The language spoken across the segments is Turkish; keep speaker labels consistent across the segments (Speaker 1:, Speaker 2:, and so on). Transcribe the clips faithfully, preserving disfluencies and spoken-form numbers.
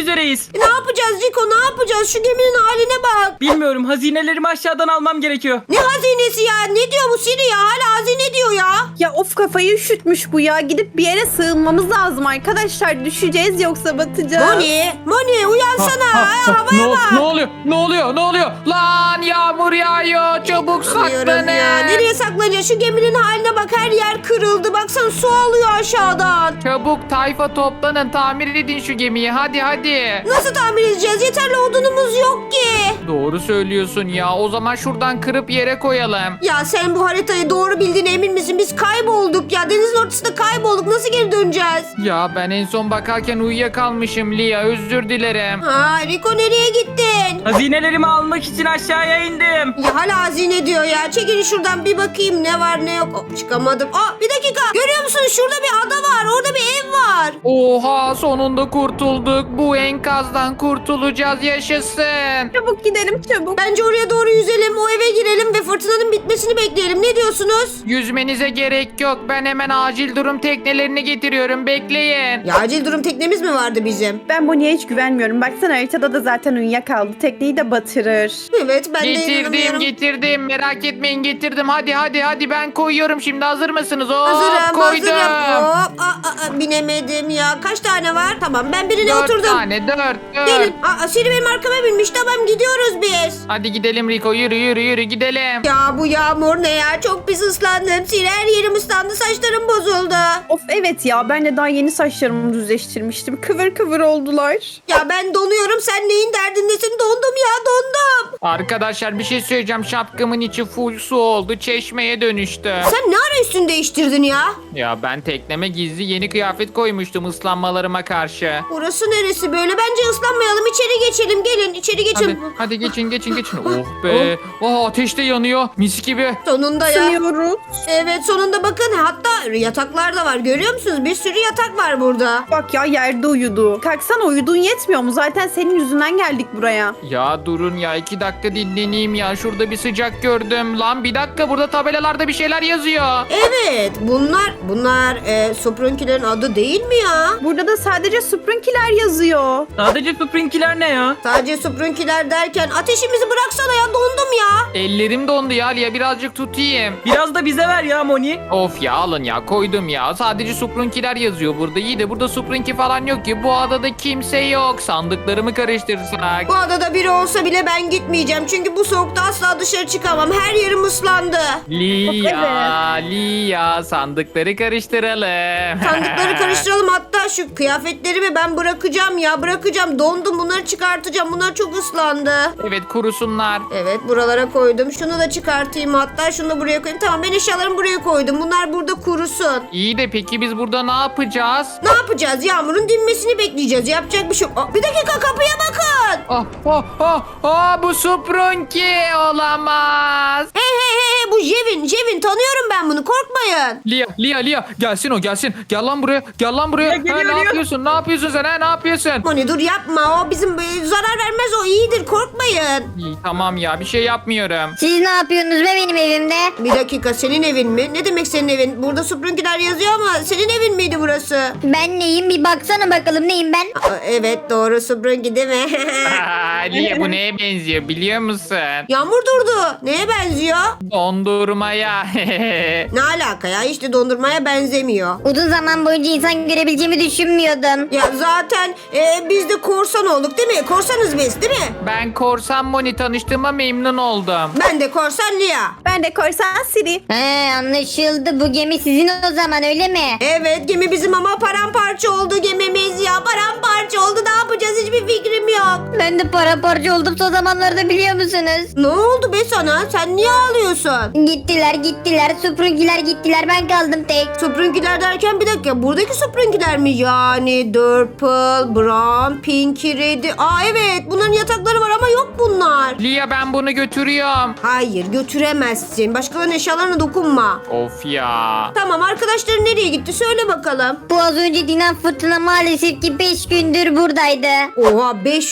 Speaker 1: üzereyiz.
Speaker 2: E, ne yapacağız Rico, ne yapacağız? Şu geminin haline bak.
Speaker 1: Bilmiyorum, hazinelerimi aşağıdan almam gerekiyor.
Speaker 2: Ne hazinesi ya? Ne diyor bu Siri ya? Hala hazine diyor ya.
Speaker 3: Ya of, kafayı üşütmüş bu ya. Gidip bir yere sığınmamız lazım arkadaşlar. Düşeceğiz yoksa batacağız.
Speaker 2: Moni, Moni uyansana. Ha, havaya
Speaker 4: ne,
Speaker 2: bak.
Speaker 4: ne oluyor? Ne oluyor? Ne oluyor? Lan yağmur yağıyor. Çabuk
Speaker 2: Bilmiyorum
Speaker 4: saklanın.
Speaker 2: ya. Nereye saklanacağız? Şu geminin haline bak, her yer kırıldı. Baksana su alıyor aşağıdan.
Speaker 4: Çabuk tayfa toplanın. Tamir edin şu gemiyi. Hadi hadi.
Speaker 2: Nasıl tamir edeceğiz? Yeterli odunumuz yok ki.
Speaker 4: Doğru söylüyorsun ya. O zaman şuradan kırıp yere koyalım.
Speaker 2: Ya sen bu haritayı doğru bildiğine emin misin? Biz kaybolduk ya. Denizin ortasında kaybolduk. Nasıl geri döneceğiz?
Speaker 4: Ya ben en son bakarken uyuyakalmışım Lia. Özür dilerim.
Speaker 2: Ha, Rico nereye gittin?
Speaker 1: Hazinelerimi almak için aşağıya indim.
Speaker 2: Ya hala hazine diyor ya. Çekilin şuradan bir bakayım ne var ne yok. Hop, çıkamadım. Aa, bir dakika. Görüyor musunuz? Şurada bir ada var. Orada bir ev var.
Speaker 4: Oha, sonunda kurtulduk. Bu enkazdan kurtulacağız. Yaşasın.
Speaker 3: Çabuk gidelim çabuk.
Speaker 2: Bence oraya doğru yüzelim. O eve girelim ve fırtınanın bitmesini bekleyelim. Ne diyorsunuz?
Speaker 4: Yüzmenize gerek yok. Ben hemen acil durum teknelerini getiriyorum. Bekleyin.
Speaker 2: Ya acil durum teknemiz mi vardı bizim?
Speaker 3: Ben Bonnie'ye hiç güvenmiyorum. Baksana haritada da zaten uyuyakaldı. Tekneyi de batırır.
Speaker 2: Evet, ben de
Speaker 4: Getirdim
Speaker 2: inanamıyorum.
Speaker 4: getirdim. Merak etmeyin, getirdim. Hadi hadi hadi ben koyuyorum şimdi. Hazır mısınız? Hop,
Speaker 2: Hazırım,
Speaker 4: koydum.
Speaker 2: hazırım. Hop, aa, aa, binemedim ya. Kaç tane var? Tamam, ben birine
Speaker 4: Dört
Speaker 2: oturdum.
Speaker 4: tane dört dört.
Speaker 2: Gelin. Aa, Siri benim arkama binmiş. Tamam, gidiyoruz biz.
Speaker 4: Hadi gidelim Rico, yürü yürü yürü gidelim.
Speaker 2: Ya bu yağmur ne ya? Çok pis ıslandım. Siri, her yerim ıslandı. Saçlarım bozuldu.
Speaker 3: Of evet ya, ben de daha yeni saçlarımı düzleştirmiştim. Kıvır kıvır oldular.
Speaker 2: Ya ben donuyorum. Sen neyin derdindesin? Dondum ya, dondum.
Speaker 4: Arkadaşlar bir şey söyleyeceğim. Şapkamın içi full su oldu. Çeşmeye dönüştü.
Speaker 2: Sen ne ara üstünü değiştirdin ya?
Speaker 4: Ya ben tekneme gizli yeni kıyafet koymuştum ıslanmalarıma karşı.
Speaker 2: Burası neresi böyle? Bence ıslanmayalım. İçeri geçelim. Gelin içeri
Speaker 4: Hadi,
Speaker 2: geçelim.
Speaker 4: hadi geçin geçin geçin. Oh be. Oh, ateş de yanıyor. Mis gibi.
Speaker 2: Sonunda ya.
Speaker 3: Sınıyoruz.
Speaker 2: Evet, sonunda bakın. Hatta yataklar da var. Görüyor musunuz? Bir sürü yatak var burada.
Speaker 3: Bak ya, yerde uyudu. Kalksana, uyudun yetmiyor mu? Zaten senin yüzünden geldik buraya.
Speaker 4: Ya durun ya, iki dakika dinleneyim ya. Şurada bir sıcak gördüm. Lan bir dakika, burada tabelalarda bir şeyler yazıyor.
Speaker 2: Evet, bunlar bunlar e, Soprunkilerin adı değil mi ya?
Speaker 3: Burada da sadece Sprunkiler yazıyor.
Speaker 1: Sadece Sprinkiler ne ya?
Speaker 2: Sadece Soprunkiler derken ateşimizi bıraksana ya, dondum ya.
Speaker 4: Ellerim dondu ya Lia, birazcık tutayım.
Speaker 1: Biraz da bize ver ya Moni.
Speaker 4: Of ya, alın ya, koydum ya. Sadece Suprunkiler yazıyor burada. İyi de burada Suprunki falan yok ki. Bu adada kimse yok. Sandıklarımı karıştırsak.
Speaker 2: Bu adada biri olsa bile ben gitmeyeceğim. Çünkü bu soğukta asla dışarı çıkamam. Her yerim ıslandı.
Speaker 4: Lia, Lia, sandıkları karıştıralım.
Speaker 2: Sandıkları karıştıralım, hatta şu kıyafetlerimi ben bırakacağım ya, bırakacağım. Dondum, bunları çıkartacağım. Bunlar çok ıslandı.
Speaker 4: Evet, kurusunlar.
Speaker 2: Evet, buralara koydum. Şunu da çıkartayım, hatta şunu da buraya koyayım. Tamam, ben eşyalarımı buraya koydum. Bunlar burada kurusun.
Speaker 4: İyi de peki biz burada ne yapacağız?
Speaker 2: Ne yapacağız? Yağmurun dinmesini bekleyeceğiz. Yapacak bir şey yok. Aa, bir dakika, kapıya bakın.
Speaker 4: Ah, ah, ah, ah, bu Suprunki olamaz.
Speaker 2: Hey hey hey hey, bu Jevin. Jevin, tanıyorum ben bunu. Korkmayın.
Speaker 4: Lia, Lia, Lia, gelsin o gelsin. Gel lan buraya, gel lan buraya.
Speaker 1: Ya,
Speaker 4: Ha,
Speaker 1: geliyor,
Speaker 4: ne
Speaker 1: geliyor.
Speaker 4: yapıyorsun? Ne yapıyorsun sen? Ha, ne yapıyorsun?
Speaker 2: Moni dur, yapma. O bizim e, zarar vermez. O iyidir. Korkmayın.
Speaker 4: İyi, tamam ya, bir şey yapmıyorum.
Speaker 5: Siz ne yapıyorsunuz be benim evimde?
Speaker 2: Bir dakika, senin evin mi? Ne demek senin evin? Burada Sprunkiler yazıyor ama senin evin miydi burası?
Speaker 5: Ben neyim, bir baksana bakalım neyim ben?
Speaker 2: Aa, evet, doğru, Sprunki değil mi?
Speaker 4: Aa, Lia, bu neye benziyor biliyor musun?
Speaker 2: Yağmur durdu. Neye benziyor?
Speaker 4: Dondurmaya.
Speaker 2: Ne alaka ya? Hiç de dondurmaya benzemiyor.
Speaker 5: Uzun zaman boyunca insan görebileceğimi düşünmüyordum.
Speaker 2: Ya zaten e, biz de korsan olduk değil mi? Korsanız biz değil mi?
Speaker 4: Ben Korsan Moni, tanıştığıma memnun oldum.
Speaker 2: Ben de korsan Lia.
Speaker 3: Ben de korsan Siri.
Speaker 5: He, anlaşıldı, bu gemi sizin o zaman öyle mi?
Speaker 2: Evet, gemi bizim ama paramparça oldu gemimiz ya. Paramparça oldu. Ne yapacağız? Hiçbir fikrim yok.
Speaker 5: Ben de paramparça oldum son zamanlarda, biliyor musunuz?
Speaker 2: Ne oldu be sana? Sen niye ağlıyorsun?
Speaker 5: Gittiler gittiler, Suprunkiler gittiler, ben kaldım tek.
Speaker 2: Sprunkiler derken bir dakika. Buradaki Sprunkiler mi? Yani Purple, Brown, Pinky, Red'i. Aa evet, bunların yatakları var ama yok bunlar.
Speaker 4: Lia, ben bunu götürüyorum.
Speaker 2: Hayır, götüremezsin. Başkalarının eşyalarına dokunma.
Speaker 4: Of ya.
Speaker 2: Tamam, arkadaşların nereye gitti? Söyle bakalım.
Speaker 5: Bu az önce dinen fırtına maalesef ki beş gündür buradaydı.
Speaker 2: Oha, beş gündür.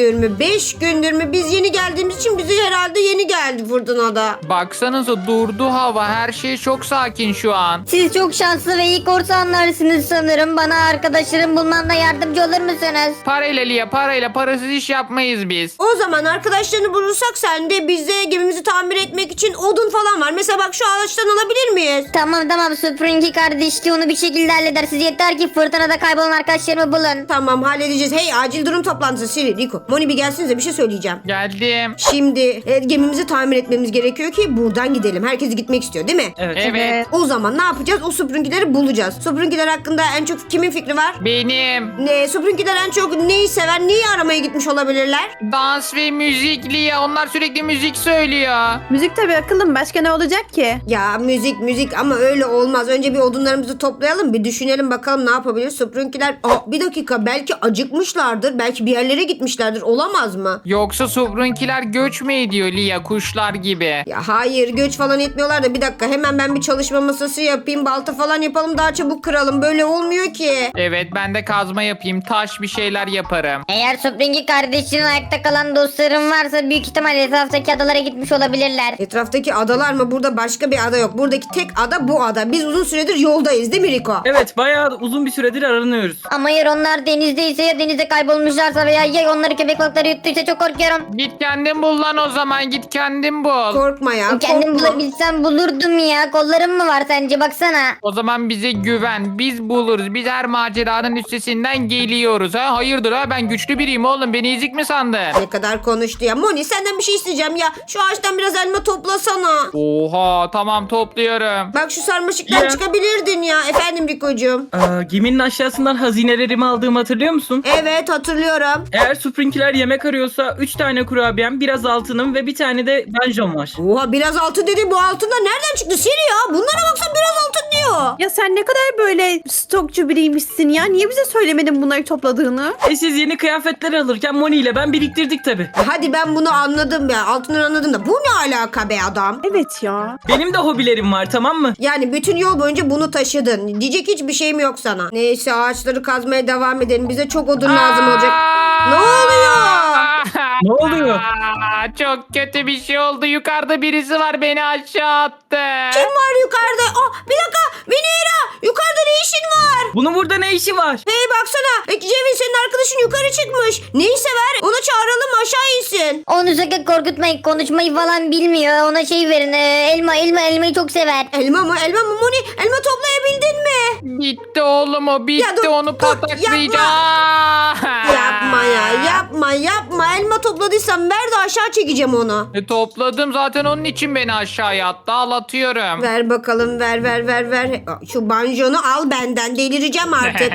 Speaker 2: gündür mü? beş gündür mü? Biz yeni geldiğimiz için bizi herhalde yeni geldi fırtınada.
Speaker 4: Baksanıza durdu hava. Her şey çok sakin şu an.
Speaker 5: Siz çok şanslı ve iyi korsanlarsınız sanırım. Bana arkadaşlarım bulmamda yardımcı olur musunuz?
Speaker 4: Parayla Lia, parayla. Parasız iş yapmayız biz.
Speaker 2: O zaman arkadaşlarını bulursak sen de bize gemimizi tamir etmek için odun falan var. Mesela bak şu ağaçtan alabilir miyiz?
Speaker 5: Tamam tamam Springy kardeşliği onu bir şekilde halleder. Siz yeter ki fırtınada kaybolan arkadaşlarımı bulun.
Speaker 2: Tamam halledeceğiz. Hey acil durum toplantısı Siri, Rico. Moni bir gelsinize bir şey söyleyeceğim.
Speaker 4: Geldim.
Speaker 2: Şimdi e, gemimizi tamir etmemiz gerekiyor ki buradan gidelim. Herkes gitmek istiyor değil mi?
Speaker 1: Evet.
Speaker 4: Evet.
Speaker 2: O zaman ne yapacağız? O süpürgeleri bulacağız. Süpürgeler hakkında en çok kimin fikri var?
Speaker 4: Benim.
Speaker 2: Ne? Süpürgeler en çok neyi sever? Neyi aramaya gitmiş olabilirler?
Speaker 4: Dans ve müzik Lia. Onlar sürekli müzik söylüyor.
Speaker 3: Müzik tabii akıllım. Başka ne olacak ki?
Speaker 2: Ya müzik müzik ama öyle olmaz. Önce bir odunlarımızı toplayalım. Bir düşünelim bakalım ne yapabiliriz. Süpürgeler... Aa, bir dakika belki acıkmışlardır. Belki bir yerlere gitmişlerdir. Olamaz mı?
Speaker 4: Yoksa Subrunkiler göç mü ediyor Lia, kuşlar gibi?
Speaker 2: Ya hayır göç falan etmiyorlar da bir dakika hemen ben bir çalışma masası yapayım, balta falan yapalım, daha çabuk kıralım, böyle olmuyor ki.
Speaker 4: Evet, ben de kazma yapayım, taş bir şeyler yaparım.
Speaker 5: Eğer Springy kardeşinin ayakta kalan dostlarım varsa büyük ihtimal etraftaki adalara gitmiş olabilirler.
Speaker 2: Etraftaki adalar mı? Burada başka bir ada yok. Buradaki tek ada bu ada. Biz uzun süredir yoldayız değil mi Rico?
Speaker 1: Evet bayağı uzun bir süredir aranıyoruz.
Speaker 5: Ama eğer onlar denizdeyse ya denizde kaybolmuşlarsa veya ya onları köpek balıkları yuttuysa çok korkuyorum.
Speaker 4: Git kendin bul lan o zaman, git kendin bul.
Speaker 2: Korkma ya,
Speaker 5: Kendim
Speaker 2: korkma.
Speaker 5: bulabilsem bulurdum ya. Kollarım mı var sence baksana.
Speaker 4: O zaman bize güven, biz buluruz. Biz her maceranın üstesinden geliyoruz ha. Hayırdır ha, ben güçlü biriyim oğlum, beni ezik mi sandın?
Speaker 2: Ne kadar konuştu ya. Moni senden bir şey isteyeceğim ya. Şu ağaçtan biraz elma toplasana.
Speaker 4: Oha, tamam topluyorum.
Speaker 2: Bak şu sarmaşıktan
Speaker 1: Ya.
Speaker 2: çıkabilirdin ya. Efendim Rico'cum.
Speaker 1: Aa, geminin aşağısından hazinelerimi aldığımı hatırlıyor musun?
Speaker 2: Evet hatırlıyorum.
Speaker 1: Eğer Sprinkiler yemek arıyorsa üç tane kurabiyem, biraz altınım ve bir tane de banjom var.
Speaker 2: Oha biraz altın dedi. Bu altın da nereden çıktı Siri ya? Bunlara baksan biraz altın diyor.
Speaker 3: Ya sen ne kadar böyle stokçu biriymişsin ya. Niye bize söylemedin bunları topladığını?
Speaker 1: E siz yeni kıyafetler alırken Moni ile ben biriktirdik tabi.
Speaker 2: Hadi ben bunu anladım ya. Altından anladım da. Bu ne alaka be adam?
Speaker 3: Evet ya.
Speaker 1: Benim de hobilerim var, tamam mı?
Speaker 2: Yani bütün yol boyunca bunu taşıdın. Diyecek hiçbir şeyim yok sana. Neyse ağaçları kazmaya devam edelim. Bize çok odun lazım olacak. Ne oluyor?
Speaker 1: Ne oluyor?
Speaker 4: Aa, çok kötü bir şey oldu. Yukarıda birisi var, beni aşağı attı.
Speaker 2: Kim var yukarıda? Aa, bir dakika. Venera. Yukarıda ne işin var?
Speaker 1: Bunun burada ne işi var?
Speaker 2: Hey baksana. E, Cevin senin arkadaşın yukarı çıkmış. Neyi sever? Ona çağıralım aşağı insin.
Speaker 5: Onu sakın korkutmayın. Konuşmayı falan bilmiyor. Ona şey verin. e, elma elma elmayı çok sever.
Speaker 2: Elma mı? Elma mı? Moni elma toplayabildin mi?
Speaker 4: Bitti oğlum o, bitti,
Speaker 2: Ya dur,
Speaker 4: onu
Speaker 2: dur,
Speaker 4: pataklayacağım.
Speaker 2: Yapma ya yapma yapma. Elma topladıysan ver de aşağı çekeceğim onu.
Speaker 4: E, topladım zaten, onun için beni aşağıya attı, al atıyorum.
Speaker 2: Ver bakalım ver ver ver ver. Şu banjonu al benden, delireceğim artık.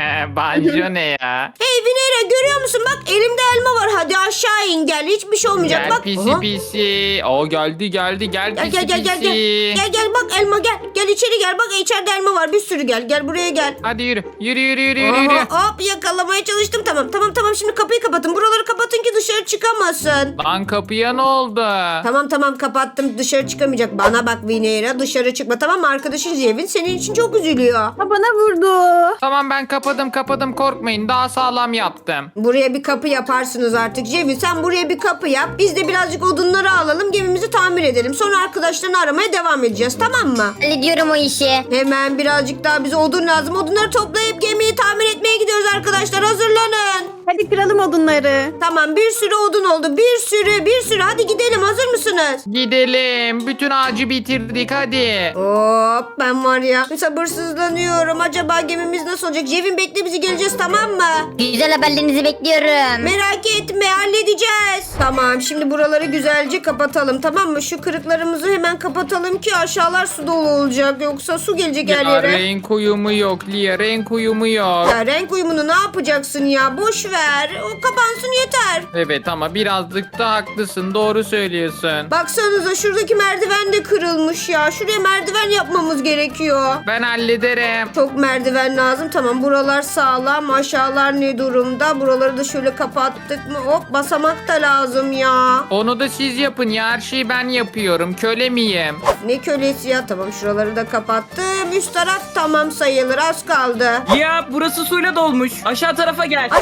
Speaker 4: Banjo ne ya?
Speaker 2: Hey Vinera görüyor musun? Bak elimde elma var. Hadi aşağı in gel. Hiçbir şey olmayacak.
Speaker 4: Gel
Speaker 2: Bak.
Speaker 4: pisi
Speaker 2: Aha.
Speaker 4: pisi. O geldi geldi gel
Speaker 2: Gel
Speaker 4: pisi
Speaker 2: gel gel gel
Speaker 4: pisi.
Speaker 2: gel. Gel gel bak elma gel. Gel içeri gel. Bak içeride elma var. Bir sürü gel. Gel buraya gel.
Speaker 4: Hadi yürü yürü yürü yürü yürü. yürü.
Speaker 2: Aha, hop yakalamaya çalıştım. Tamam tamam tamam. Şimdi kapıyı kapatın. Buraları kapatın ki dışarı çıkamasın.
Speaker 4: Lan kapıya ne oldu?
Speaker 2: Tamam tamam kapattım. Dışarı çıkamayacak. Bana bak Vinera dışarı çıkma. Tamam mı? Arkadaşın Zevin senin için çok üzülüyor.
Speaker 3: Ha, bana vurdu.
Speaker 4: Tamam, ben kapadım kapadım, korkmayın, daha sağlam yaptım.
Speaker 2: Buraya bir kapı yaparsınız artık. Cevin sen buraya bir kapı yap. Biz de birazcık odunları alalım. Gemimizi tamir edelim. Sonra arkadaşlarını aramaya devam edeceğiz. Tamam mı?
Speaker 5: Hallediyorum o işi.
Speaker 2: Hemen birazcık daha bize odun lazım. Odunları toplayıp gemiyi tamir etmeye gidiyoruz arkadaşlar. Hazırlanın.
Speaker 3: Hadi kıralım odunları.
Speaker 2: Tamam bir sürü odun oldu. Bir sürü bir sürü. Hadi gidelim. Hazır mısınız?
Speaker 4: Gidelim, bütün ağacı bitirdik, hadi.
Speaker 2: Hop ben var ya sabırsızlanıyorum. Acaba gemimiz nasıl olacak? Cevin bekle bizi geleceğiz tamam mı?
Speaker 5: Güzel haberlerinizi bekliyorum.
Speaker 2: Merak etme halledeceğiz. Tamam şimdi buraları güzelce kapatalım tamam mı? Şu kırıklarımızı hemen kapatalım ki aşağılar su dolu olacak. Yoksa su gelecek her
Speaker 4: Ya
Speaker 2: yere.
Speaker 4: renk uyumu yok Lia, renk uyumu yok.
Speaker 2: Ya renk uyumunu ne yapacaksın ya? Boş ver. O kapansın yeter.
Speaker 4: Evet ama birazcık da haklısın, doğru söylüyorsun.
Speaker 2: Baksanıza şuradaki merdiven de kırılmış ya. Şuraya merdiven yapmamız gerekiyor.
Speaker 4: Ben hallederim.
Speaker 2: Çok merdiven lazım. Tamam buralar sağlam. Aşağılar ne durumda? Buraları da şöyle kapattık mı? Hop basamak da lazım ya.
Speaker 4: Onu da siz yapın ya, her şeyi ben yapıyorum, köle miyim?
Speaker 2: Ne kölesi ya? Tamam şuraları da kapattım. Üst taraf tamam sayılır. Az kaldı.
Speaker 1: Ya burası suyla dolmuş. Aşağı tarafa gel.
Speaker 2: Aşağı mı?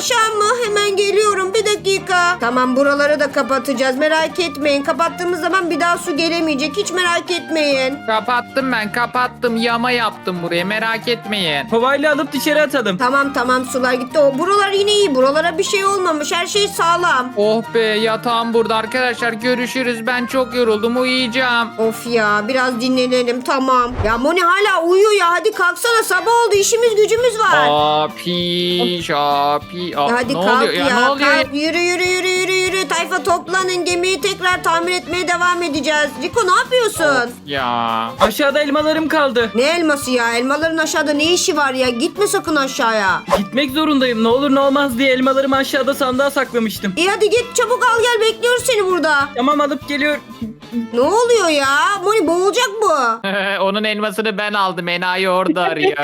Speaker 2: Hemen geliyorum. Bir dakika. Tamam, buraları da kapatacağız. Merak etmeyin. Kapattığımız zaman bir daha su gelemeyecek. Hiç merak etmeyin.
Speaker 4: Kapattım ben kapattım. Yama yaptım buraya merak etmeyin.
Speaker 1: Kovayla alıp dışarı atalım.
Speaker 2: Tamam tamam, sular gitti. O buralar yine iyi. Buralara bir şey olmamış. Her şey sağlam.
Speaker 4: Oh be yatağım burada arkadaşlar görüşürüz. Ben çok yoruldum uyuyacağım.
Speaker 2: Of ya, biraz dinlenelim. Tamam. Ya Moni hala uyuyor ya. Hadi kalksana, sabah oldu. İşimiz gücümüz var.
Speaker 4: Api şapi. Aa,
Speaker 2: Hadi
Speaker 4: ne
Speaker 2: kalk
Speaker 4: oluyor
Speaker 2: ya.
Speaker 4: ya, ne oluyor?
Speaker 2: Kalk. Yürü yürü yürü yürü yürü. Tayfa toplanın. Gemiyi tekrar tamir etmeye devam edeceğiz. Riko, ne yapıyorsun?
Speaker 4: Ya.
Speaker 1: Aşağıda elmalarım kaldı.
Speaker 2: Ne elması ya? Elmaların aşağıda ne işi var ya? Gitme sakın aşağıya.
Speaker 1: Gitmek zorundayım. Ne olur ne olmaz diye elmalarımı aşağıda sandığa saklamıştım.
Speaker 2: İyi hadi git, çabuk al gel, bekliyoruz seni burada.
Speaker 1: Tamam, alıp geliyorum.
Speaker 2: Ne oluyor ya? Moni, boğulacak bu.
Speaker 4: Onun elmasını ben aldım. Enayi orada arıyor.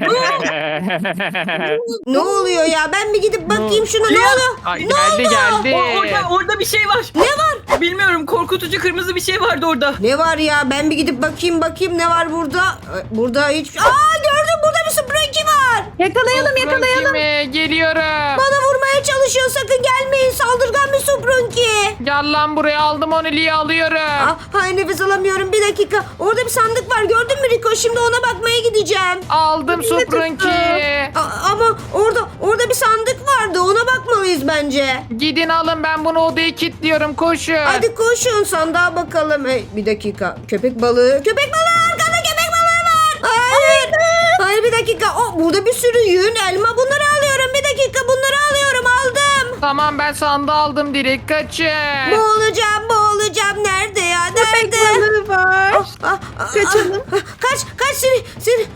Speaker 2: Ne oluyor ya? Ben bir gidip bakayım şuna. Ne oluyor?
Speaker 4: Ay,
Speaker 2: Ne
Speaker 4: geldi
Speaker 2: oldu?
Speaker 4: geldi.
Speaker 1: O, orada, orada bir şey var.
Speaker 2: Ne var?
Speaker 1: Bilmiyorum, korkutucu kırmızı bir şey vardı orada.
Speaker 2: Ne var ya? Ben bir gidip bakayım bakayım ne var burada? Ee, Burada hiç... Aa, gördüm, burada bir Sprinky var.
Speaker 3: Yakalayalım yakalayalım.
Speaker 4: Kime? Geliyorum.
Speaker 2: Bana vurmaya çalışıyor. Sakın gelmeyin. Saldırgan bir Sprinky.
Speaker 4: Gel lan buraya aldım onu Liye alıyorum.
Speaker 2: Ah, hay nefes alamıyorum. Bir dakika. Orada bir sandık var. Gördün mü Rico? Şimdi ona bakmaya gideceğim.
Speaker 4: Aldım Supranki.
Speaker 2: A- ama orada orada bir sandık vardı. Ona bakmalıyız bence.
Speaker 4: Gidin alın ben bunu odaya kilitliyorum koşun.
Speaker 2: Hadi koşun, sandığa bakalım. Hey, bir dakika. Köpek balığı. Köpek balığı. Arkada köpek balığı var. Hayır. Hayır, bir dakika. Oh, burada bir sürü yün, elma. Bunları alıyorum. Bir dakika. Bunları alıyorum. Aldım.
Speaker 4: Tamam ben sandığı aldım direkt kaçın.
Speaker 2: Boğulacağım. Boğulacağım. Nerede ya?
Speaker 3: Köpek
Speaker 2: Nerede?
Speaker 3: balığı var.
Speaker 2: Ah, ah,
Speaker 3: Kaçalım.
Speaker 2: ah, kaç. Kaç seni. seni.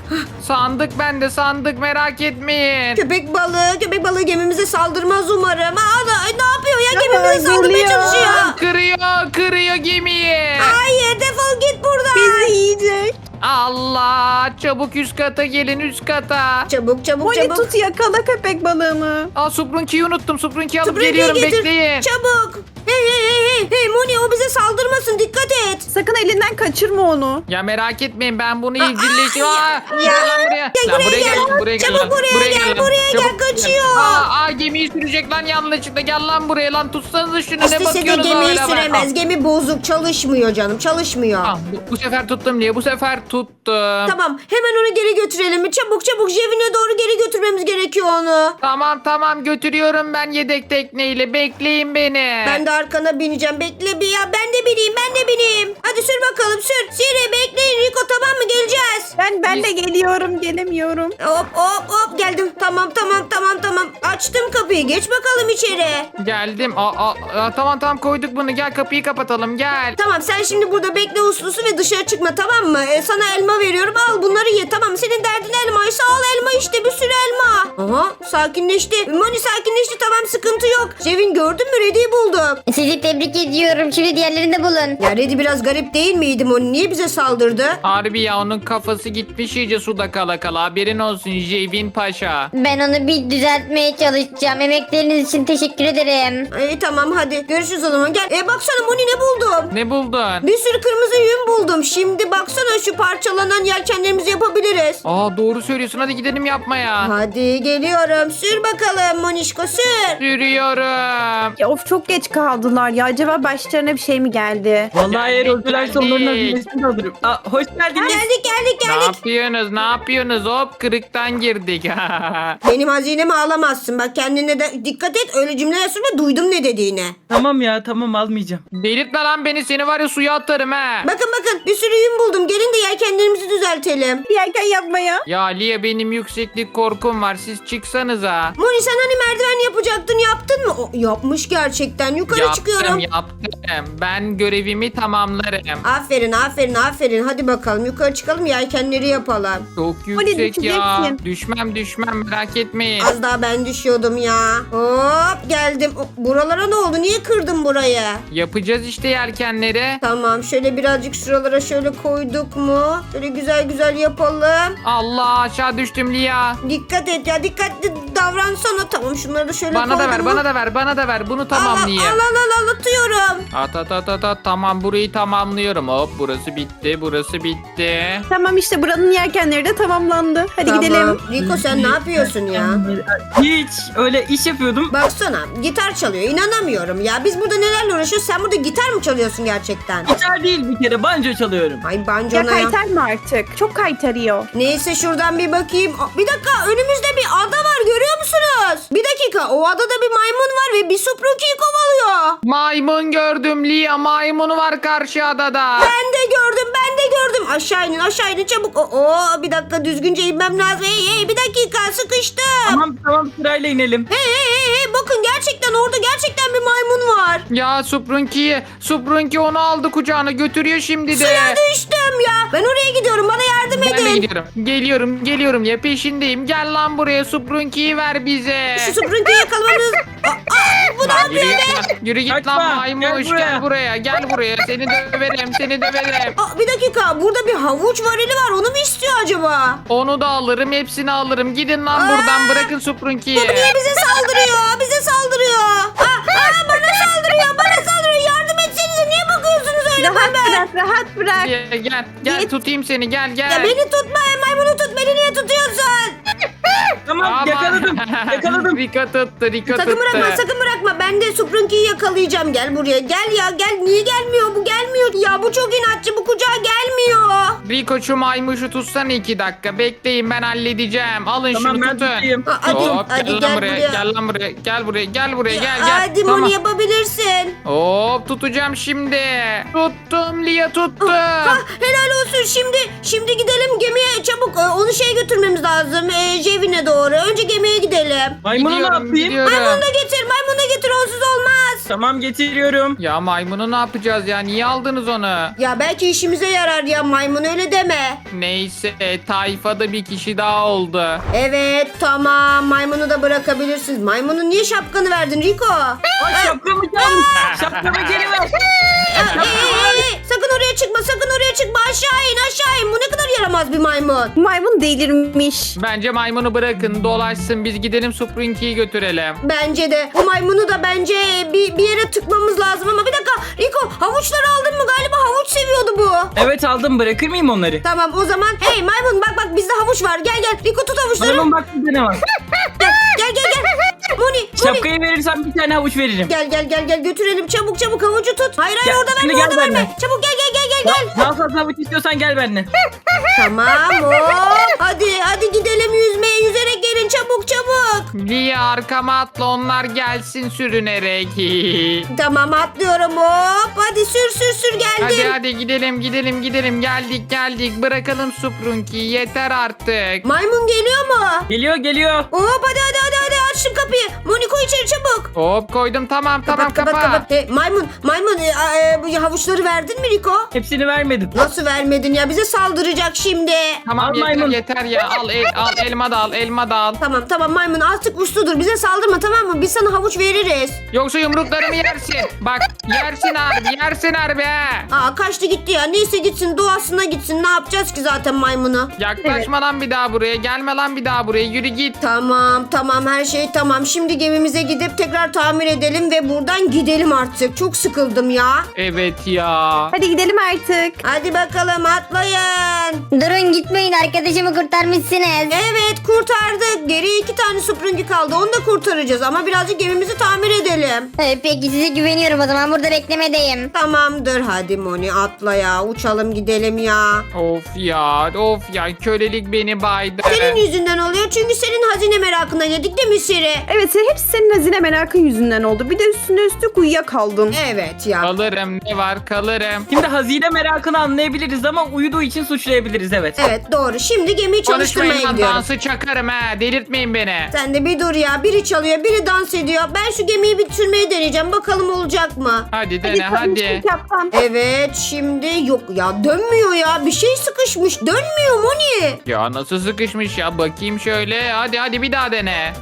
Speaker 4: Sandık bende sandık merak etmeyin.
Speaker 2: Köpek balığı. Köpek balığı gemimize saldırmaz umarım. Aa, da- ne yapıyor ya?
Speaker 3: Ya,
Speaker 2: Gemimize saldırmaya
Speaker 3: geliyor.
Speaker 2: çalışıyor.
Speaker 4: Kırıyor kırıyor gemiyi.
Speaker 2: Hayır, defol git buradan.
Speaker 3: Bizi yiyecek.
Speaker 4: Allah çabuk üst kata gelin üst kata.
Speaker 2: Çabuk çabuk
Speaker 3: Moni
Speaker 2: çabuk.
Speaker 3: tut yakala köpek balığını.
Speaker 4: Aa Supranki'yi unuttum Supranki'yi alıp
Speaker 2: Sprinky'yi
Speaker 4: geliyorum
Speaker 2: getir.
Speaker 4: bekleyin.
Speaker 2: Çabuk. Hey hey hey hey. Hey Moni, o bize saldırmasın. Dikkat et.
Speaker 3: Sakın elinden kaçırma onu.
Speaker 4: Ya merak etmeyin ben bunu
Speaker 2: Aa,
Speaker 4: evcilleştim.
Speaker 2: aa,
Speaker 4: Aa,
Speaker 2: ya,
Speaker 4: gel
Speaker 2: ya.
Speaker 4: lan buraya.
Speaker 2: Gel
Speaker 4: Lan
Speaker 2: buraya gel.
Speaker 4: buraya gel.
Speaker 2: Çabuk
Speaker 4: lan.
Speaker 2: buraya gel,
Speaker 4: lan.
Speaker 2: buraya gel,
Speaker 4: Çabuk
Speaker 2: kaçıyor.
Speaker 4: Aa, aa gemiyi sürecek lan yanlışlıkla. Gel lan buraya lan tutsanıza şunu ne
Speaker 2: İstese de
Speaker 4: bakıyorsunuz
Speaker 2: gemiyi
Speaker 4: öyle bak.
Speaker 2: süremez. Gemi bozuk, çalışmıyor canım, çalışmıyor.
Speaker 4: Ah, bu, bu sefer tuttum diye bu sefer tuttum.
Speaker 2: Tamam, hemen onu geri götürelim mi? Çabuk çabuk Jevin'e doğru geri götürmemiz gerekiyor onu.
Speaker 4: Tamam tamam götürüyorum ben yedek tekneyle bekleyin beni.
Speaker 2: Ben de arkana bineceğim. Bekle bir ya. Ben de bineyim, ben de bineyim. Hadi sür bakalım, sür. Siri bekleyin Rico, tamam mı? Geleceğiz.
Speaker 3: Ben ben de geliyorum gelemiyorum.
Speaker 2: Hop hop hop, geldim. Tamam tamam tamam tamam. Açtım kapıyı. Geç bakalım içeri.
Speaker 4: Geldim. Aa, aa, aa, tamam tamam koyduk bunu gel kapıyı kapatalım gel.
Speaker 2: Tamam, sen şimdi burada bekle uslusu ve dışarı çıkma, tamam mı? Ee, sana elma veriyorum, al bunları ye, tamam mı? Senin derdin elmaysa al elma işte, bir sürü elma. Aha, sakinleşti. Moni sakinleşti, tamam, sıkıntı yok. Cevin, gördün mü? Reddy'yi bulduk.
Speaker 5: Sizi tebrik ediyorum. Şimdi diğerlerini de bulun.
Speaker 2: Ya Reddy biraz garip değil miydi Moni? Niye bize saldırdı?
Speaker 4: Harbi ya onun kafası gitmiş iyice suda kala kala haberin olsun Jevin Paşa.
Speaker 5: Ben onu bir düzeltmeye çalışacağım. Emekleriniz için teşekkür ederim.
Speaker 2: İyi tamam, hadi görüşürüz o zaman, gel. E baksana Moni, ne buldum?
Speaker 4: Ne buldun?
Speaker 2: Bir sürü kırmızı yün buldum. Şimdi baksana, şu parçalanan yelkenlerimizi yapabiliriz.
Speaker 4: Aa doğru söylüyorsun hadi gidelim yapmaya.
Speaker 2: Hadi geliyorum. Sür bakalım Monişko, sür.
Speaker 4: Sürüyorum.
Speaker 3: Ya of çok geç kaldılar ya. Acaba başlarına bir şey mi geldi?
Speaker 1: Vallahi eğer
Speaker 4: Geldik,
Speaker 1: öldülerse onların
Speaker 4: geldik.
Speaker 1: hazinesini de alırım. Aa, hoş geldiniz.
Speaker 2: Geldik geldik
Speaker 4: Ne
Speaker 2: geldik.
Speaker 4: yapıyorsunuz ne yapıyorsunuz hop kırıktan girdik.
Speaker 2: Benim hazinemi alamazsın. Bak kendine de dikkat et. Öyle cümleler söyleme. Duydum ne dediğini.
Speaker 1: Tamam ya, tamam, almayacağım.
Speaker 4: Delirtme lan beni seni var ya suya atarım ha.
Speaker 2: Bakın bakın, bir sürü yün buldum. Gelin de yelkenlerimizi düzeltelim.
Speaker 3: Yerken yapmaya.
Speaker 4: Ya Liye benim yükseklik korkum var siz çıksanıza.
Speaker 2: Moni, sen hani merdiven yapacaktın, yaptın mı? O, yapmış gerçekten. Yukarı
Speaker 4: Yaptım
Speaker 2: çıkıyorum.
Speaker 4: yaptım. Ben görevimi tamamlarım.
Speaker 2: Aferin aferin aferin. Hadi bakalım yukarı çıkalım, yelkenleri yapalım.
Speaker 4: Çok
Speaker 3: Hadi
Speaker 4: yüksek ya.
Speaker 3: düşeceksin.
Speaker 4: Düşmem düşmem merak etmeyin.
Speaker 2: Az daha ben düşüyordum ya. Hop geldim. O, buralara ne oldu? Niye kırdın burayı?
Speaker 4: Yapacağız işte yelkenleri.
Speaker 2: Tamam, şöyle birazcık şuralara şöyle koyduk mu? Şöyle güzel güzel yapalım.
Speaker 4: Allah aşağı düştüm Liya.
Speaker 2: Dikkat et ya, dikkatli davransana. Tamam şunları da şöyle
Speaker 4: Bana da ver,
Speaker 2: koydum mu?
Speaker 4: bana da ver, bana da ver. Bunu
Speaker 2: Al al
Speaker 4: tamamlayayım.
Speaker 2: al al al atıyorum.
Speaker 4: At at at at at. Tamam, burayı tamamlıyorum. Hop, burası bitti, burası bitti.
Speaker 3: Tamam işte buranın yelkenleri de tamamlandı. Hadi
Speaker 2: Tamam.
Speaker 3: gidelim.
Speaker 2: Rico sen ne yapıyorsun ya?
Speaker 1: Hiç öyle iş yapıyordum.
Speaker 2: Baksana gitar çalıyor. İnanamıyorum ya. Biz burada nelerle uğraşıyoruz? Sen burada gitar mı çalıyorsun gerçekten?
Speaker 1: Gitar değil bir kere banjo çalıyorum.
Speaker 2: Ay
Speaker 3: Ya
Speaker 2: bancona ya.
Speaker 3: kaytar mı artık? Çok kaytarıyor.
Speaker 2: Neyse şuradan bir bakayım. Aa, bir dakika önümüzde bir ada var görüyor musunuz? Bir dakika o adada bir maymun var ve bir Spooky'yi kovalıyor.
Speaker 4: Maymun gördüm Lia, maymunu var karşı adada.
Speaker 2: Ben de gördüm ben de gördüm. Aşağı inin aşağı inin çabuk. Oo, bir dakika düzgünce inmem lazım. Hey hey bir dakika sıkıştım.
Speaker 1: Tamam tamam sırayla inelim.
Speaker 2: Hey hey hey hey bakın gerçekten orada gerçekten bir maymun var.
Speaker 4: Ya Sprunky, Sprunky onu aldı kucağına götürüyor şimdi de.
Speaker 2: Suya düştüm ya. Ben oraya gidiyorum bana yardım
Speaker 4: Ben de
Speaker 2: edin.
Speaker 4: gidiyorum. Geliyorum, geliyorum ya peşindeyim. Gel lan buraya, Sprunky'yi ver bize.
Speaker 2: Şu Spooky'yi yakalamamız... Aa, aa, bu ne
Speaker 4: Lan
Speaker 2: yapıyor
Speaker 4: yürü
Speaker 2: be?
Speaker 4: git lan, yürü git
Speaker 1: Kaçma,
Speaker 4: lan maymuş,
Speaker 1: gel
Speaker 4: gel
Speaker 1: buraya.
Speaker 4: buraya. gel buraya, seni döverim, seni döverim.
Speaker 2: Aa, bir dakika burada bir havuç varili var onu mu istiyor acaba?
Speaker 4: Onu da alırım, hepsini alırım. Gidin lan buradan, bırakın Sprunky'yi.
Speaker 2: Bu niye bize saldırıyor? Bize saldırıyor. Aa, aa, bana saldırıyor bana saldırıyor. Yardım etsenize niye bakıyorsunuz öyle
Speaker 3: Rahat
Speaker 2: bana?
Speaker 3: bırak, rahat bırak.
Speaker 4: Gel, gel, gel
Speaker 3: Git.
Speaker 4: tutayım seni, gel gel.
Speaker 2: Ya beni tutma maymunu tut beni niye tutuyorsun?
Speaker 1: Tamam
Speaker 4: Aman.
Speaker 1: yakaladım. Yakaladım.
Speaker 4: Rika tuttu, Rika
Speaker 2: Sakın
Speaker 4: tuttu.
Speaker 2: bırakma sakın bırakma. Ben de Sprunky'yi yakalayacağım. Gel buraya gel ya gel. Niye gelmiyor bu gelmiyor. Ya bu çok inatçı bu kucağa gelmiyor.
Speaker 4: Riko şu maymuşu tutsana iki dakika. Bekleyin, ben halledeceğim. Alın
Speaker 1: Tamam
Speaker 4: şunu
Speaker 1: ben
Speaker 4: tutun.
Speaker 1: tutayım.
Speaker 2: Aa, hadi,
Speaker 4: Hop,
Speaker 2: hadi
Speaker 4: gel,
Speaker 2: gel
Speaker 4: lan buraya,
Speaker 2: buraya.
Speaker 4: gel lan buraya, gel buraya, gel buraya, gel gel.
Speaker 2: Hadi
Speaker 4: Tamam.
Speaker 2: Moni yapabilirsin.
Speaker 4: Hop, tutacağım şimdi. Tuttum Lia, tuttum.
Speaker 2: Ah, helal olsun şimdi. Şimdi gidelim gemiye çabuk. Ee, Onu şeye götürmemiz lazım. Ee, Jevin'e doğru. Önce gemiye gidelim.
Speaker 1: Maymunu ne
Speaker 4: Gidiyorum,
Speaker 1: yapayım?
Speaker 4: gidiyorum.
Speaker 2: Maymunu da getir. Maymunu da getir. Onsuz olmaz.
Speaker 1: Tamam getiriyorum.
Speaker 4: Ya maymunu ne yapacağız ya? Niye aldınız onu?
Speaker 2: Ya belki işimize yarar ya maymun öyle deme.
Speaker 4: Neyse, tayfada bir kişi daha oldu.
Speaker 2: Evet tamam maymunu da bırakabilirsiniz. Maymunun niye şapkanı verdin Rico?
Speaker 1: Ay şapkamı çalmış. Şapkamı geri ver.
Speaker 2: Ey, ey, ey, sakın oraya çıkma sakın oraya çıkma aşağı in aşağı in. Bu ne kadar yaramaz bir maymun.
Speaker 3: Maymun delirmiş.
Speaker 4: Bence maymunu bırakın, dolaşsın. Biz gidelim Sprunky'yi götürelim.
Speaker 2: Bence de bu maymunu da bence bir, bir yere tıkmamız lazım ama bir dakika Rico havuçları aldın mı galiba havuç seviyordu bu.
Speaker 1: Evet aldım bırakır mıyım onları?
Speaker 2: Tamam o zaman hey maymun bak bak bizde havuç var gel gel Rico tut havuçları.
Speaker 1: Maymun bak bir tane var.
Speaker 2: Gel gel gel gel. Moni Moni.
Speaker 1: Şapkayı verirsen bir tane havuç veririm.
Speaker 2: Gel gel gel gel götürelim çabuk çabuk havucu tut. Hayır hayır
Speaker 1: Gel,
Speaker 2: orada
Speaker 1: şimdi
Speaker 2: verme
Speaker 1: gel
Speaker 2: orada verme.
Speaker 1: benimle.
Speaker 2: Çabuk gel gel gel gel gel.
Speaker 1: Daha fazla havuç istiyorsan gel benimle.
Speaker 2: Tamam hop. Hadi hadi gidelim yüzmeye yüzerek gelin çabuk çabuk.
Speaker 4: Lia, arkama atla, onlar gelsin sürünerek.
Speaker 2: Tamam atlıyorum hop. Hadi sür sür sür geldim.
Speaker 4: Hadi hadi gidelim gidelim gidelim, geldik geldik, bırakalım Sprunky'yi, yeter artık.
Speaker 2: Maymun geliyor mu?
Speaker 1: Geliyor geliyor.
Speaker 2: Hop hadi hadi hadi hadi aç şu kapıyı. Moniko içeri çabuk.
Speaker 4: Hop, koydum, tamam tamam,
Speaker 2: kapat,
Speaker 4: kapa.
Speaker 2: kapat. Hey, maymun maymun e, e, bu havuçları verdin mi Riko?
Speaker 1: Hepsini vermedim.
Speaker 2: Nasıl vermedin ya bize saldıracak şimdi.
Speaker 4: Tamam,
Speaker 1: Al
Speaker 4: yeter
Speaker 1: maymun.
Speaker 4: yeter ya, al el, al elma da al, elma da al.
Speaker 2: Tamam tamam maymun artık usludur bize saldırma tamam mı? Biz sana havuç veririz.
Speaker 4: Yoksa yumruklarımı yersin. Bak, yersin harbi, yersin harbi ha.
Speaker 2: Aa kaçtı gitti ya neyse gitsin doğasına gitsin ne yapacağız ki zaten maymunu.
Speaker 4: Yaklaşma lan bir daha buraya, gelme lan bir daha buraya, yürü git.
Speaker 2: Tamam tamam her şey tamam. Şimdi gemimize gidip tekrar tamir edelim ve buradan gidelim artık. Çok sıkıldım ya.
Speaker 4: Evet ya.
Speaker 3: Hadi gidelim artık.
Speaker 2: Hadi bakalım atlayın.
Speaker 5: Durun gitmeyin arkadaşımı kurtarmışsınız.
Speaker 2: Evet kurtardık. Geriye iki tane süpürge kaldı. Onu da kurtaracağız ama birazcık gemimizi tamir edelim.
Speaker 5: Ee, peki size güveniyorum o zaman burada beklemedeyim.
Speaker 2: Tamamdır hadi Moni atla ya. Uçalım gidelim ya.
Speaker 4: Of ya, of ya, kölelik beni baydı.
Speaker 2: Senin yüzünden oluyor çünkü senin hazine merakına yedik değil mi Siri?
Speaker 3: Evet hepsi senin hazine merakın yüzünden oldu. Bir de üstüne üstlük uyuyakaldın.
Speaker 2: Evet ya.
Speaker 4: Kalırım, ne var, kalırım.
Speaker 1: Şimdi hazine merakını anlayabiliriz ama uyuduğu için suçlayabiliriz evet.
Speaker 2: Evet doğru. Şimdi gemiyi çalıştırmaya
Speaker 4: Konuşmayın lan,
Speaker 2: gidiyorum.
Speaker 4: dansı çakarım ha, delirtmeyin beni.
Speaker 2: Sen de bir dur ya. Biri çalıyor, biri dans ediyor. Ben şu gemiyi bir sürmeyi deneyeceğim. Bakalım olacak mı?
Speaker 4: Hadi dene hadi.
Speaker 3: konuştuk yaptan.
Speaker 2: Evet, şimdi yok ya dönmüyor ya. Bir şey sıkışmış. Dönmüyor Moni.
Speaker 4: Ya nasıl sıkışmış ya, bakayım şöyle, hadi hadi bir daha dene.
Speaker 2: Yok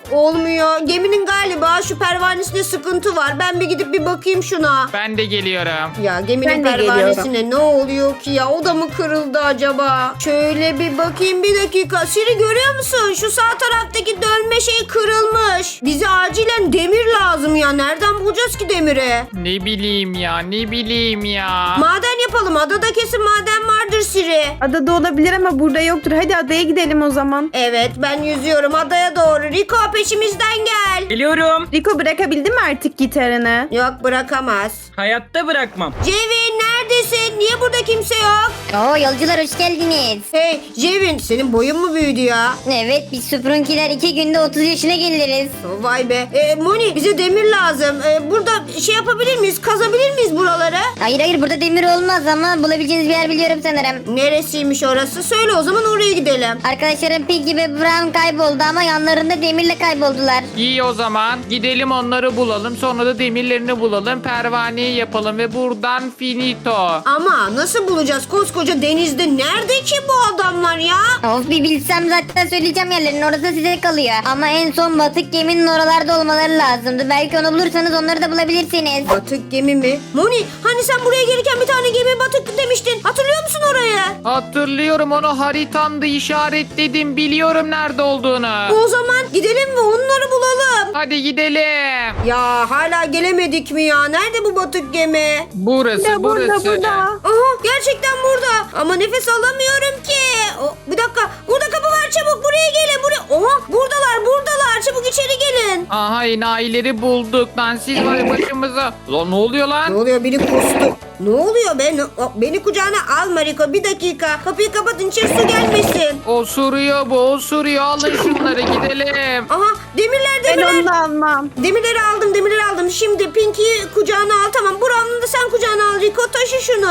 Speaker 2: olmuyor. Geminin galiba şu pervanesinde sıkıntı var. Ben bir gidip bir bakayım şuna.
Speaker 4: Ben de geliyorum.
Speaker 2: Ya geminin
Speaker 3: Ben de
Speaker 2: pervanesine ne oluyor ki ya? O da mı kırıldı acaba? Şöyle bir bakayım bir dakika. Siri görüyor musun? Şu sağ taraftaki dönme şey kırılmış. Bize acilen demir lazım ya. Nereden bulacağız ki demiri?
Speaker 4: Ne bileyim ya ne bileyim ya.
Speaker 2: Maden yapalım. Adada kesin maden vardır Siri.
Speaker 3: Adada olabilir ama burada yoktur. Hadi adaya gidelim o zaman.
Speaker 2: Evet ben yüzüyorum adaya doğru. Rico peşimizden gel.
Speaker 1: Geliyorum.
Speaker 3: Rico bırakabildin mi artık gitarını?
Speaker 2: Yok bırakamaz.
Speaker 1: Hayatta bırakmam.
Speaker 2: Cevin neredesin? Niye burada kimse yok?
Speaker 5: Oo yolcular hoş geldiniz.
Speaker 2: Hey Cevin senin boyun mu büyüdü ya?
Speaker 5: Evet biz Sprunkiler iki günde otuz yaşına geliriz.
Speaker 2: Vay be. E, Moni bize demir lazım. E, burada şey yapabilir miyiz? Kazabilir miyiz buraları?
Speaker 5: Hayır hayır burada demir olmaz ama bulabileceğiniz bir yer biliyorum sanırım.
Speaker 2: Neresiymiş orası? Söyle o zaman oraya gidelim.
Speaker 5: Arkadaşlarım Piggy ve Brown kayboldu ama yanlarında demirle kayboldular.
Speaker 4: İyi o zaman gidelim onları bulalım sonra da demirlerini bulalım pervaneyi yapalım ve buradan finito.
Speaker 2: Ama nasıl bulacağız koskoca denizde? Nerede ki bu adamlar ya?
Speaker 5: Of bir bilsem zaten söyleyeceğim yerlerini orası size kalıyor. Ama en son batık geminin oralarda olmaları lazımdı. Belki onu bulursanız onları da bulabilirsiniz.
Speaker 2: Batık gemi mi? Moni hani sen buraya gelirken bir tane gemi batık demiştin. Hatırlıyor musun orayı?
Speaker 4: Hatırlıyorum onu haritamda işaretledim biliyorum nerede olduğunu.
Speaker 2: O zaman gidelim ve onları bulalım.
Speaker 4: Hadi gidelim.
Speaker 2: Ya hala gelemedik mi ya? Nerede bu batık gemi?
Speaker 4: Burası
Speaker 3: Ya burada
Speaker 4: burası.
Speaker 3: burada.
Speaker 2: Aha gerçekten burada. Ama nefes alamıyorum ki. O, bir dakika. Burada kapı var çabuk. Buraya gelin. Buraya. Oha buradalar buradalar. Çabuk içeri gelin.
Speaker 4: Aha enayileri bulduk lan siz var ya başımıza. Lan ne oluyor
Speaker 2: Ne
Speaker 4: lan?
Speaker 2: oluyor? Biri kustu. Ne oluyor be? Ne- o, beni kucağına alma Rico. Bir dakika. Kapıyı kapatın. İçeri su gelmesin.
Speaker 4: Osuruyor bu osuruyor alın şunları gidelim.
Speaker 2: Aha demirler
Speaker 3: Ben
Speaker 2: demirler.
Speaker 3: onu da almam.
Speaker 2: Demirleri aldım demirleri aldım. Şimdi Pinky'yi kucağına al. Tamam Brown'u da sen kucağına al Rico. Taşı şunu.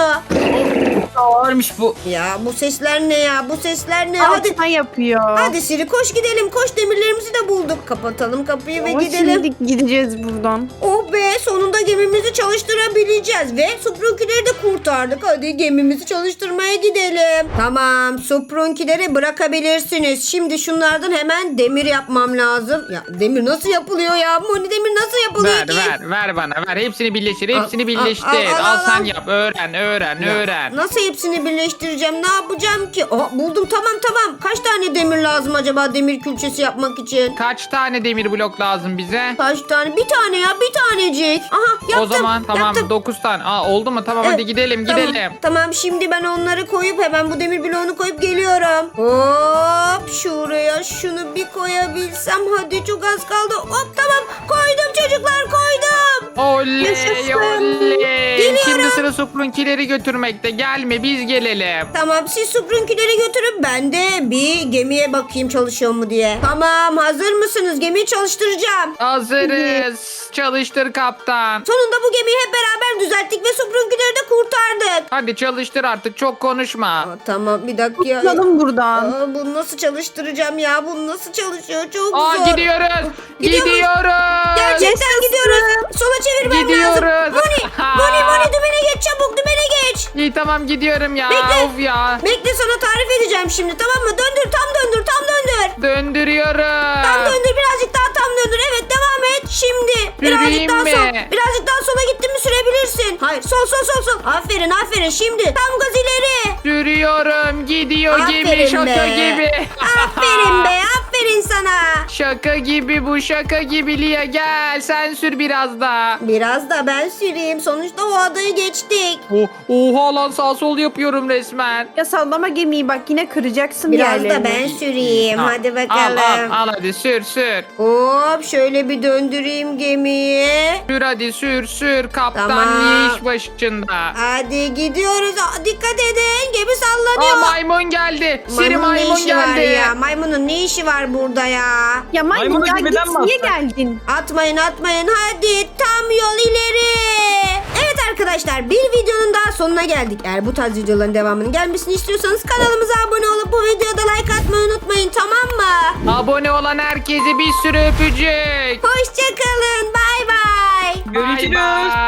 Speaker 1: Ağırmış bu.
Speaker 2: Ya bu sesler ne ya? Bu sesler ne? Hadi.
Speaker 3: Altına yapıyor.
Speaker 2: Hadi Siri koş gidelim. Koş demirlerimizi de bulduk. Kapatalım kapıyı ve
Speaker 3: Ama
Speaker 2: gidelim.
Speaker 3: şimdi gideceğiz buradan.
Speaker 2: Oh be sonunda gemimizi çalıştırabileceğiz ve Sprunkileri de kurtardık. Hadi gemimizi çalıştırmaya gidelim. Tamam Sprunkileri bırakabilirsiniz. Şimdi şunlardan hemen demir yapmam lazım. Ya demir nasıl yapılıyor ya? Moni demir nasıl yapılıyor
Speaker 4: Ver
Speaker 2: ki?
Speaker 4: ver ver bana ver hepsini birleştir hepsini
Speaker 2: Al,
Speaker 4: birleştir.
Speaker 2: al, al,
Speaker 4: Al,
Speaker 2: al,
Speaker 4: sen
Speaker 2: al.
Speaker 4: yap öğren öğren
Speaker 2: Ya,
Speaker 4: öğren.
Speaker 2: Nasıl hepsini birleştireceğim? Ne yapacağım ki? Aa, buldum tamam tamam. Kaç tane demir lazım acaba demir külçesi yapmak için?
Speaker 4: Kaç tane demir blok lazım bize?
Speaker 2: Kaç tane? Bir tane ya bir tanecik. Aha yaptım.
Speaker 4: O zaman tamam
Speaker 2: yaptım.
Speaker 4: dokuz tane. Aa oldu mu? Tamam
Speaker 2: Evet,
Speaker 4: hadi gidelim
Speaker 2: tamam.
Speaker 4: gidelim.
Speaker 2: Tamam şimdi ben onları koyup hemen bu demir bloğunu koyup geliyorum. Hop şuraya şunu bir koyabilsem. Hadi çok az kaldı. Hop tamam koydum çocuklar koydum.
Speaker 4: Oley
Speaker 3: Yaşasın.
Speaker 4: oley.
Speaker 2: Geliyorum.
Speaker 4: Şimdi sıra Sprunkileri götürmekte. Gelme biz gelelim.
Speaker 2: Tamam siz Sprunkileri götürün ben de bir gemiye bakayım çalışıyor mu diye. Tamam hazır mısınız? Gemiyi çalıştıracağım.
Speaker 4: Hazırız. Çalıştır kaptan.
Speaker 2: Sonunda bu gemiyi hep beraber düzelttik ve Sprunkileri de kurtardık.
Speaker 4: Hadi çalıştır artık çok konuşma.
Speaker 2: Aa, tamam bir dakika.
Speaker 3: Tutalım buradan.
Speaker 2: Aa, bunu nasıl çalıştıracağım ya? Bu nasıl çalışıyor? Çok
Speaker 4: Aa
Speaker 2: zor.
Speaker 4: gidiyoruz.
Speaker 2: Gidiyor muyuz?
Speaker 4: Gidiyoruz.
Speaker 2: Gerçekten gidiyoruz. Sola çevirmem
Speaker 4: Gidiyoruz.
Speaker 2: lazım. Moni, Moni, Moni dümene geç çabuk dümene geç.
Speaker 4: İyi tamam gidiyorum ya.
Speaker 2: Bekle.
Speaker 4: Of ya.
Speaker 2: Bekle sana tarif edeceğim şimdi tamam mı? Döndür tam döndür tam döndür.
Speaker 4: Döndürüyorum.
Speaker 2: Tam döndür birazcık daha tam döndür. Evet devam et. Şimdi birazcık
Speaker 4: Süreyim
Speaker 2: daha
Speaker 4: mi?
Speaker 2: sol. Birazcık daha sola gittin mi sürebilirsin. Hayır sol sol sol sol. Aferin aferin şimdi. Tam gaz ileri.
Speaker 4: Sürüyorum. Gidiyor gibi.
Speaker 2: Aferin
Speaker 4: Şaka
Speaker 2: be.
Speaker 4: gibi.
Speaker 2: Aferin be aferin sana.
Speaker 4: Şaka gibi bu şaka gibi Lia gel sen sür biraz da.
Speaker 2: Biraz da ben süreyim. Sonuçta o adayı geçtik.
Speaker 4: Oh, oha lan sağ sol yapıyorum resmen.
Speaker 3: Ya sallama gemiyi bak yine kıracaksın
Speaker 2: Biraz da
Speaker 3: yerlerini.
Speaker 2: ben süreyim.
Speaker 4: Al,
Speaker 2: Hadi
Speaker 4: Al
Speaker 2: bakalım.
Speaker 4: al al hadi sür sür.
Speaker 2: Hop şöyle bir döndüreyim gemiyi.
Speaker 4: Sür hadi sür sür kaptan
Speaker 2: Tamam.
Speaker 4: niye iş başında.
Speaker 2: Hadi gidiyoruz. Aa, dikkat edin. Gemi
Speaker 4: Aa
Speaker 2: sallanıyor.
Speaker 4: maymun geldi. Siri
Speaker 2: Maymunun ne
Speaker 4: maymun
Speaker 2: işi var
Speaker 4: geldi.
Speaker 2: ya? Maymunun ne işi var burada ya?
Speaker 3: Ya maymun
Speaker 1: Maymunu
Speaker 3: ya
Speaker 1: gemiden
Speaker 3: git
Speaker 1: mi
Speaker 3: niye
Speaker 1: atsak?
Speaker 3: geldin?
Speaker 2: Atmayın atmayın. Hadi tam yol ileri. Evet arkadaşlar bir videonun daha sonuna geldik. Eğer bu tarz videoların devamının gelmesini istiyorsanız kanalımıza abone olup bu videoda like atmayı unutmayın tamam mı?
Speaker 4: Abone olan herkese bir sürü öpücük.
Speaker 2: Hoşçakalın. Bay bay.
Speaker 1: Görüşürüz.
Speaker 4: Bay bay.